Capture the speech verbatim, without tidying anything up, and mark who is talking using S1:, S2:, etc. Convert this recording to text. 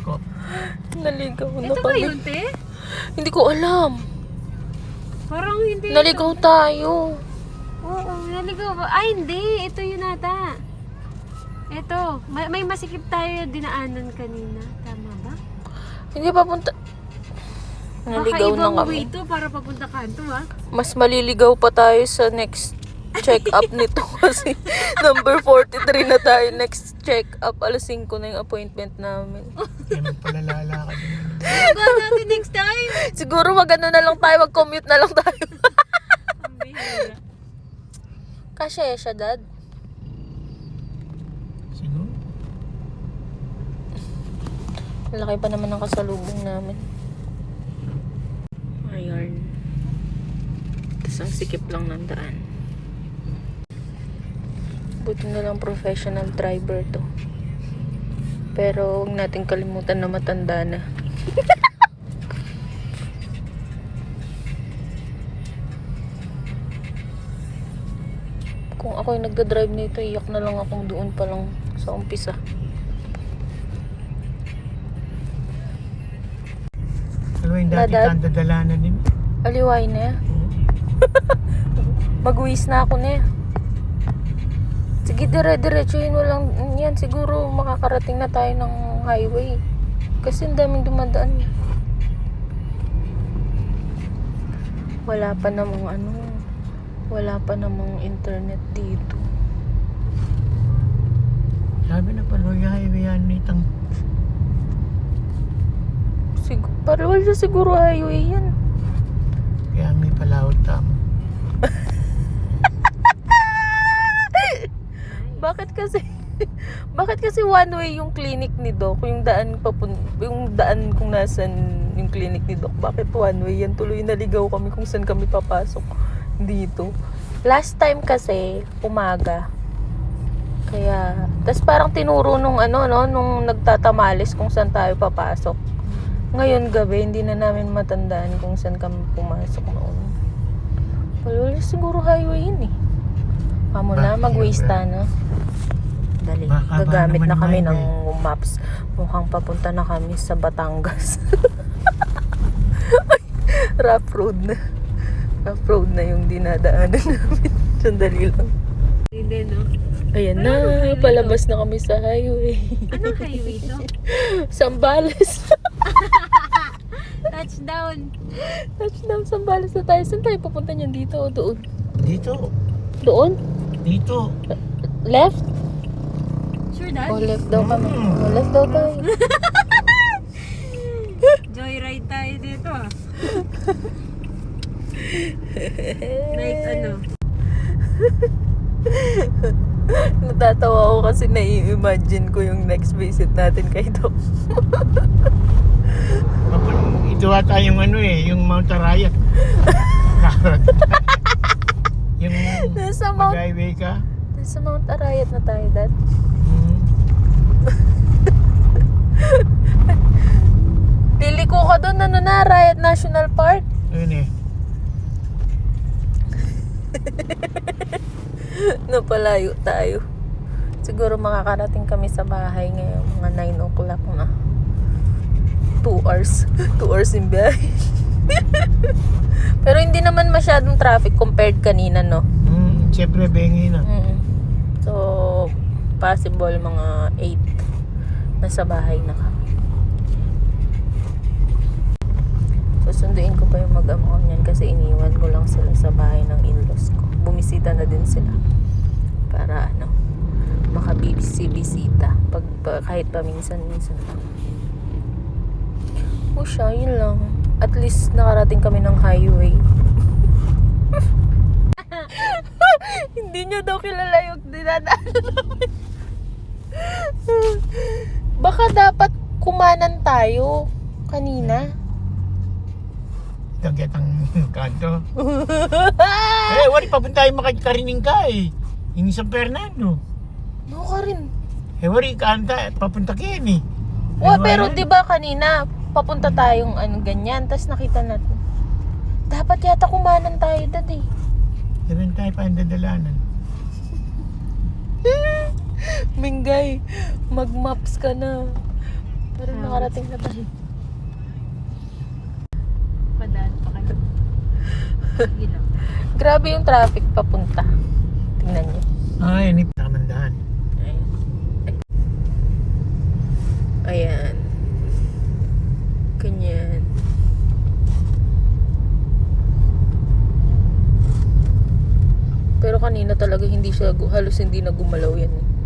S1: ko.
S2: Naligaw na
S3: Ito ba
S2: kami.
S3: yun, te?
S2: Hindi ko alam.
S3: Parang hindi.
S2: Naligaw tayo.
S3: Oo, naligaw ba? Ay, hindi. Ito yun ata. Ito. May, may masikip tayo dinaanan kanina. Tama ba?
S2: Hindi papunta. Naligaw
S3: Baka
S2: na
S3: ibang
S2: kami.
S3: way to para papunta kanto, ha?
S2: Mas maliligaw pa tayo sa next check-up nito kasi number forty-three na tayo. Next check-up, alas singko na yung appointment namin.
S1: Kaya magpalalala ka din.
S3: Go natin next time.
S2: Siguro mag-ano na lang tayo, mag-commute na lang tayo.
S3: Ang bihira.
S2: Kasya siya, Dad.
S1: Siguro.
S2: Malaki pa naman ang kasalubong namin. Ayan. Tapos ang sikip lang ng daan. Buti na lang professional driver to. Pero huwag natin kalimutan na matanda na. Kung ako yung nagda-drive nito, iyak na lang akong doon pa lang sa umpisa.
S1: Ano yung dati
S2: Nadad?
S1: kang dadalanan din?
S2: Aliway na yan. Mag-uwis na ako na yan. Sige, dire-diretsuhin mo lang yan. Siguro makakarating na tayo ng highway. Kasi ang daming dumadaan. Wala pa namang ano, wala pa namang internet dito.
S1: Sabi na pala, yung highway yan nitang.
S2: Sig Parang wala siguro highway yan.
S1: Kaya may palawad tamo.
S2: Bakit kasi bakit kasi one way yung clinic ni Doc, yung daan papun yung daan kung nasan yung clinic ni Doc, bakit one way yan? Tuloy naligaw kami kung saan kami papasok dito. Last time kasi umaga. Kaya tas parang tinuro nung ano no nung nagtatamales kung saan tayo papasok. Ngayon gabi hindi na namin matandaan kung saan kami pumasok noon. Wala siguro highway yun eh. Amo na,
S1: Bakit?
S2: mag-waste na. Dali,
S1: Baka ba
S2: gagamit
S1: naman
S2: na kami
S1: highway?
S2: ng maps. Mukhang papunta na kami sa Batangas. Rough road na. Rough road na yung dinadaanan namin. Sandali lang.
S3: Hindi, no?
S2: Ayan na,
S3: Anong highway
S2: palabas na kami sa highway.
S3: Anong highway to?
S2: Sambales.
S3: Touchdown.
S2: Touchdown, Sambales na tayo. Saan tayo pupunta niyan? Dito o doon?
S1: Dito.
S2: Doon?
S1: Dito.
S2: Left?
S3: Sure, Dad?
S2: O left daw kami.
S1: Mm.
S2: O left daw tayo.
S3: Joyride tayo dito, ah. Like, ano?
S2: Natatawa ako kasi nai-imagine ko yung next visit natin kay Doc.
S1: Ito ata yung ano eh, yung Mount Arayat. Yung
S2: Nasa Mount,
S1: mag-highway ka.
S2: nasa Mount Arayat na tayo, Dad.
S1: Hmm.
S2: Liliko ka doon, ano na, Arayat National Park.
S1: Ayun eh.
S2: Napalayo tayo. Siguro makakarating kami sa bahay ngayon, mga nine o'clock na. two hours. two hours in biyahe. Pero hindi naman masyadong traffic compared kanina, no?
S1: Hmm, siyempre bengi na.
S2: Mm. So, possible mga eight nasa bahay na kami. Susunduin ko pa yung mag-ama ko niyan kasi iniwan ko lang sila sa bahay ng in-laws ko. Bumisita na din sila para ano, makabibisi-bisita pag, pa, kahit paminsan-minsan lang. O siya, yun lang. At least nakarating kami ng highway. Hindi niya daw kilala yung dinadaanan namin. Baka dapat kumanan tayo kanina.
S1: Ito getang kanto. Eh, wali papunta tayo makakarining ka eh. Yung San Fernando.
S2: No ka rin.
S1: Eh, wali kanta, papunta kayo eh.
S2: Oh, pero 'di ba kanina papunta tayong ano ganyan, tas nakita natin. Dapat yata kumanan tayo, Dad eh.
S1: Sabihin tayo pa ang dadalanan.
S2: Mingay, mag-maps ka na. Pero nakarating na tayo.
S3: Padaan pa kayo. Sige lang.
S2: Grabe yung traffic papunta. Tingnan niyo.
S1: Ay, ini tamandaan.
S2: Ayan. Ayan. Ganyan. Pero kanina talaga hindi siya, gu- halos hindi na gumalaw yan eh.